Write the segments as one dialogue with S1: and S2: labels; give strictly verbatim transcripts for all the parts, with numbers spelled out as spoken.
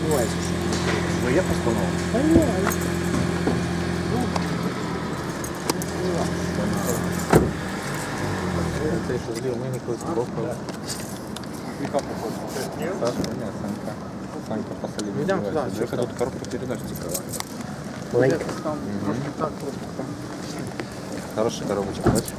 S1: сумніваюся, що
S2: Ну є постанова.
S1: Та ні, але... Ну,
S2: Цей, що злів, мені колись бокав.
S3: Яка походу?
S2: Саша, ні, Санька. Санька посолі.
S3: Йдемо туди,
S2: Яка тут коробка передач цікава.
S1: маленька.
S3: Там трошки так, трошки так.
S2: Хороша коробочка, бачиш?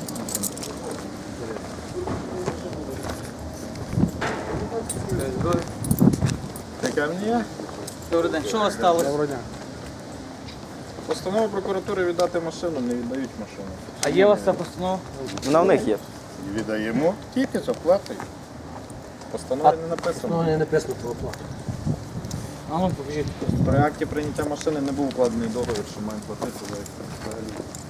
S3: Таке мені є?
S4: Добрий день. Що у вас сталося?
S3: Доброго дня. Постанова прокуратури віддати машину, не віддають машину.
S4: А є у вас ця постанова?
S2: Вона в них є.
S3: Віддаємо тільки з оплатою. Постанови не написано.
S1: Ну, не написано про оплату.
S4: А ну покажіть.
S3: При акті прийняття машини не був укладений договір, що маємо платити за взагалі.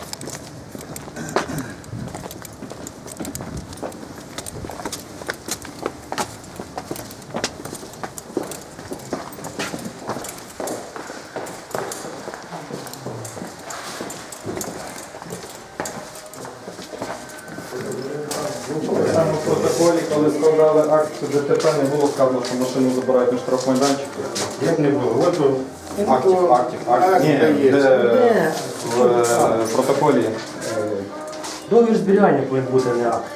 S3: Саме в протоколі, коли складали акт ДТП, не було сказано, що машину забирають на штрафмайданчик.
S5: Як не було? От о,
S3: Актів, актів, актів. Ні,
S1: Ні.
S3: де в е, протоколі.
S1: Договір зберігання повинен бути, не акт.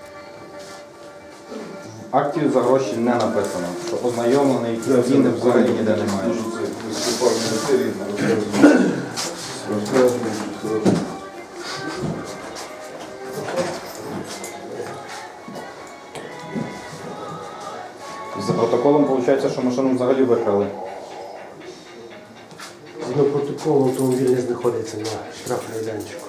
S3: Актів за гроші не написано, що ознайомлений, ціни взагалі ніде немає.
S5: Дуже це виступав міністерії, розказує. Розказує, що це.
S3: За протоколом виходить, що машину взагалі викрали.
S1: Згідно протоколу автомобіль не знаходиться на штрафмайданчику.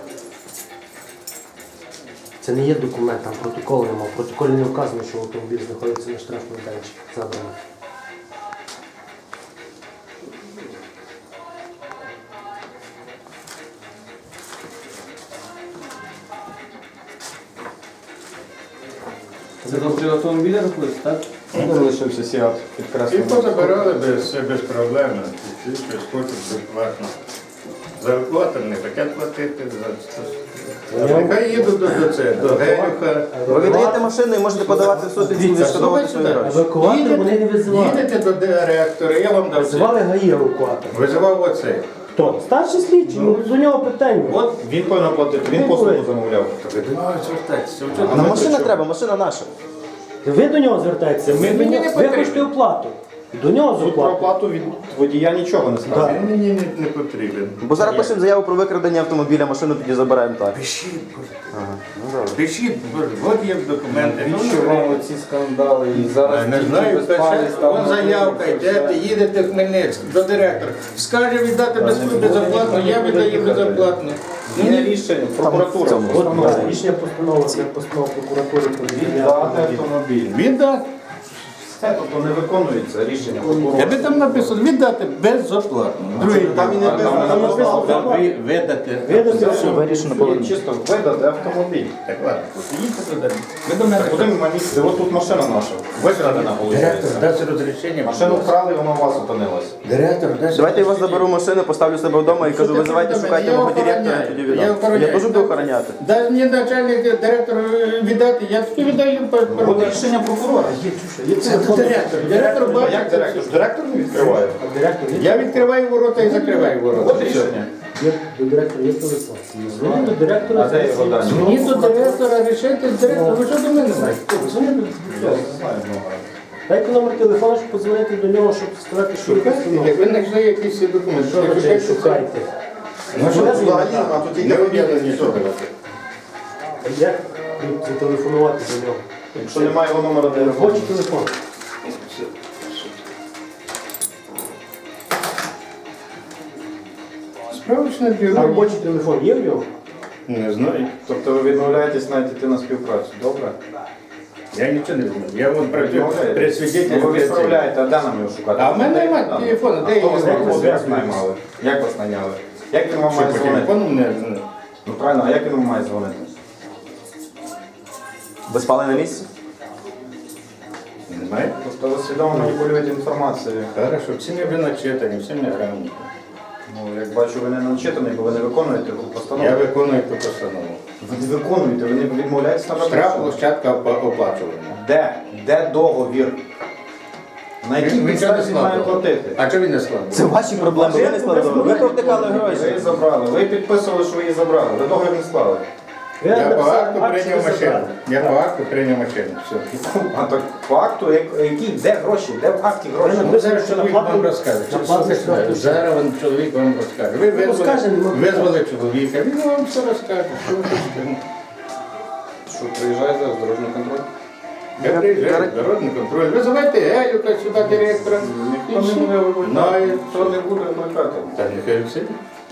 S1: Це не є документ, там протоколу немає. В протоколі не вказано, що автомобіль знаходиться на штрафмайданчику. Забрано.
S4: Це до автомобіля рахується, так?
S3: Де залишився сіат
S5: І
S3: підкреслено.
S5: позабирали без, все без проблем. Всі щось хочуть безплатно. За оплату не хочуть платити. За... Нехай їдуть до, до це, до Герюха.
S2: Ви віддаєте машину і можете подавати в суд і відшкодовувати свої гроші.
S1: Евакуатор вони не визивали.
S5: Їдете до директора, я вам дав це.
S1: Визивали ГАІ евакуатор.
S5: Визивав оцей.
S1: Хто? Старший слідчий, ну до нього питання.
S5: От він повинен платити, він послугу замовляв.
S2: А на машина треба, машина наша.
S1: Ви до нього звертаєтеся, ми
S5: Мені
S1: до
S5: не
S1: нього. Ви
S5: потрібно.
S1: хочете оплату. До нього з
S5: Тут про
S1: оплату.
S5: оплату від водія нічого не сказано.
S1: Так.
S5: Він мені не, не потрібен.
S2: Бо зараз пишемо заяву про викрадення автомобіля, машину тоді забираємо так.
S5: Пишіть,
S2: Ага, ну добре.
S5: пишіть, от є документи. Ну,
S3: Що вам оці скандали і зараз
S5: не
S3: діти
S5: знаю,
S3: безпали, там
S5: вон заявка, йдете, їдете в Хмельницький до директора. Скаже віддати без, безоплатно, я віддаю безоплатно.
S3: Є рішення, прокуратура.
S2: цьому.
S1: От да, рішення постанови, це постанова прокуратури про звільнення
S3: Віддати
S1: автомобіля.
S3: автомобіль.
S5: Віддати.
S3: Це тобто не виконується рішення
S5: Я
S3: прокурора.
S5: би там написано віддати безоплатно. Другий
S2: там і не написано,
S5: там
S1: написано,
S5: написано ви- видати.
S1: Видати
S5: Все.
S2: Вирішено було.
S3: Чисто видати автомобіль.
S5: Так ладно, їдьте туди. Ви до мене
S3: Куди ми місце? От тут машина наша. Викрадена,
S5: Директор
S3: виходить.
S5: дасть розрішення.
S3: Машину вкрали, вона у вас опинилася.
S5: Директор дасть
S2: Давайте я вас
S5: розрішення.
S2: заберу машину, поставлю себе вдома і
S5: Що
S2: кажу,
S5: ти
S2: визивайте,
S5: до мене?
S2: шукайте
S5: Я
S2: мого директора,
S5: охороняю.
S2: тоді
S5: Я
S2: віддам.
S5: охороняю.
S2: Я теж буду охороняти.
S5: Дай мені начальник директор віддати, я тобі віддаю.
S3: От рішення прокурора.
S5: Це директор. Директор
S3: А як
S5: бачить.
S3: директор? Директор не відкриває.
S1: А директор є?
S5: Я відкриваю ворота і закриваю ворота.
S3: От рішення.
S1: Є до директора є телефон. Дзвони до директора.
S3: А де його дані?
S5: Мені до директора рішити з директора. Ви що до мене знаєте?
S1: Дзвони до
S3: Я не знаю много.
S1: Дайте номер телефону, щоб подзвонити до нього, щоб сказати, що ви
S5: Шукайте,
S1: постанову.
S5: як ви знайшли якісь документи.
S1: Що ви шукайте?
S5: Ну що,
S1: Мене
S5: взагалі,
S1: звати?
S5: а тут не об'єднані нічого.
S1: Як зателефонувати до нього?
S3: Якщо немає його номера телефону.
S1: Робочий телефон.
S5: Справочне
S1: А
S5: бюро.
S1: робочий телефон є в нього?
S5: Не знаю.
S3: Тобто ви відмовляєтесь навіть йти на співпрацю, добре?
S5: Я нічого не знаю. Я вон працюю при свідетелі.
S3: Ну, ви відправляєте, а де нам його шукати?
S5: А в мене немає
S3: Там.
S5: телефону,
S3: А
S5: де
S3: хто
S5: я
S3: вас
S5: його
S3: знаходить? Як
S5: знаю?
S3: наймали? Як вас наняли? Як він вам
S5: Що
S3: має
S5: по
S3: дзвонити?
S5: телефону не знаю.
S3: Ну правильно, а як він вам має дзвонити?
S2: Ви спали на місці?
S5: Немає?
S3: Тобто ви свідомо маніпулюєте інформацією.
S5: Хорошо, всі ми начитані, всі ми грамотні.
S3: Ну, як бачу, ви не начитаний, бо ви не виконуєте постанову.
S5: Я виконую ту постанову.
S3: Ви не виконуєте, ви не відмовляєтесь на
S5: Штраф площадка опа- оплачування.
S3: Де? Де договір? На якій
S5: Він- він чого не
S3: підставі він має
S5: складував?
S3: платити?
S5: А чого він не складував?
S2: Це ваші проблеми, ви не складали. Ви провтикали
S3: Ви
S2: гроші.
S3: її забрали, ви підписували, що ви її забрали, ви договір не склали.
S5: Я по
S1: написав
S5: акту
S1: акт, що
S5: прийняв
S1: ви
S5: машину.
S1: забрали.
S5: Я по акту прийняв машину. Все.
S3: А так по акту, як- який, де гроші, де в акті гроші?
S1: Ви
S5: Ну,
S1: написали,
S5: зараз
S1: що
S5: чоловік
S1: наплатили-
S5: вам розкаже.
S1: наплатили
S5: Слухайте,
S1: штраф.
S5: зараз він чоловік вам розкаже. Ви
S1: Ну,
S5: визвали,
S1: скаже, нема питань.
S5: визвали чоловіка, він вам все розкаже. Що ви хочете?
S3: Що приїжджає зараз дорожній контроль?
S5: Я приїжджаю, дорожній контроль. Визивайте Елюка сюди, директора.
S3: Ніхто не буде викликати.
S5: Знає.
S3: Хто не буде викликати?
S5: Та нехай всі.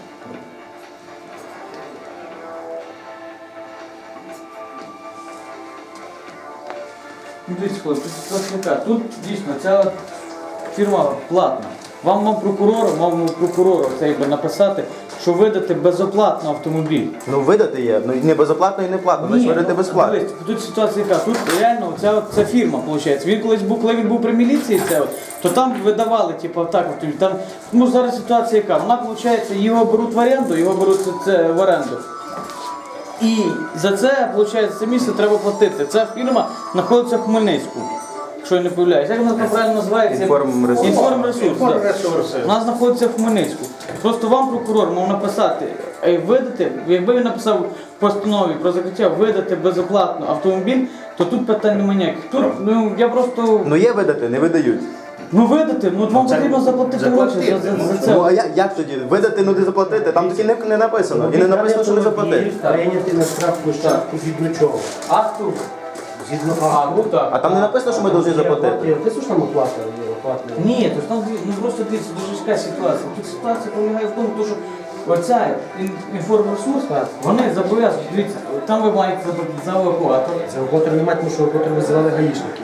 S4: Ну, дивіться, хлопці, тут ситуація така. Тут дійсно ця от фірма платна. Вам, вам прокурору, вам прокурору це якби написати, що видати безоплатно автомобіль.
S2: Ну видати є, ну не безоплатно і не платно, значить видати
S4: ну,
S2: безплатно.
S4: дивись, тут ситуація яка, тут реально ця, от- ця фірма, виходить. Він колись був, коли він був при міліції, це от, то там видавали, типу, так, от, там, ну зараз ситуація яка, вона, виходить, його беруть в оренду, його беруть це, це в оренду. І за це, виходить, це місце треба платити. Ця фірма знаходиться в Хмельницьку, якщо я не помиляюсь. Як вона там правильно називається?
S2: Інформресурс.
S4: Інформресурс, так.
S5: Ресурси.
S4: Вона знаходиться в Хмельницьку. Просто вам прокурор мав написати, е, видати, якби він написав в постанові про закриття видати безоплатно автомобіль, то тут питань немає ніяких. Тут, ну, я просто,
S2: Ну є видати, не видають.
S4: ну видати, ну вам
S5: Це
S4: потрібно заплатити гроші за, за, за це.
S2: Ну а як, як тоді? Видати, ну не заплатити. Там таки не, не написано. І не написано, що не заплатити.
S1: Прийняти на штрафплощадку згідно чого?
S4: Акту?
S1: Згідно
S4: А,
S1: акту.
S4: ну так.
S2: А там не написано, що ми повинні заплатити.
S1: Ти ж там оплата є, оплата.
S4: Ні, то там ну, просто дивіться, дуже важка ситуація. Тут ситуація полягає в тому, то, що оця ін- інформресурс, вони зобов'язані, дивіться, там ви маєте заплатити за евакуатор.
S1: Це евакуатор немає, тому що евакуатор визивали гаїшники.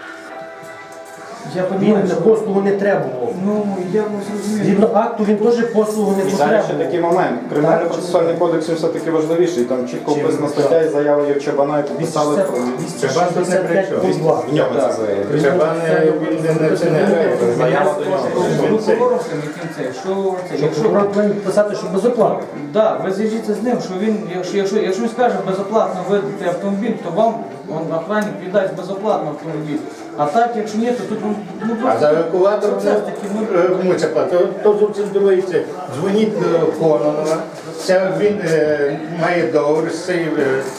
S4: Я
S1: Він
S4: розумію,
S1: на
S4: що...
S1: послугу не требував.
S4: Ну, я не зрозумів.
S1: Згідно акту він теж послугу не
S3: І зараз ще
S1: потребував.
S3: такий момент. Кримінально-процесуальний кодекс він все-таки важливіший. Там чітко
S1: Чим?
S3: вписана стаття і заява є Чабана, і підписали про
S1: двісті
S5: Чабан тут не при чому.
S1: пункт два.
S3: в ньому це заявлено.
S5: Чабан е, він не не- це не грає.
S3: Заява до нього.
S5: Він це-
S4: Прокурором яким це, що це,
S1: Що
S4: якщо...
S1: прокурор повинен писати, що безоплатно.
S4: Да, ви зв'яжіться з ним, що він, якщо, якщо, якщо він скаже безоплатно видати автомобіль, то вам он, охранник віддасть безоплатно автомобіль. А так, якщо ні, то тут ну, ну,
S5: А за евакуатор
S4: це ж таки, ну,
S5: е, кому це платить? То зовсім друге. Це дзвоніть до Кононова. Це він е, має договір з цією е,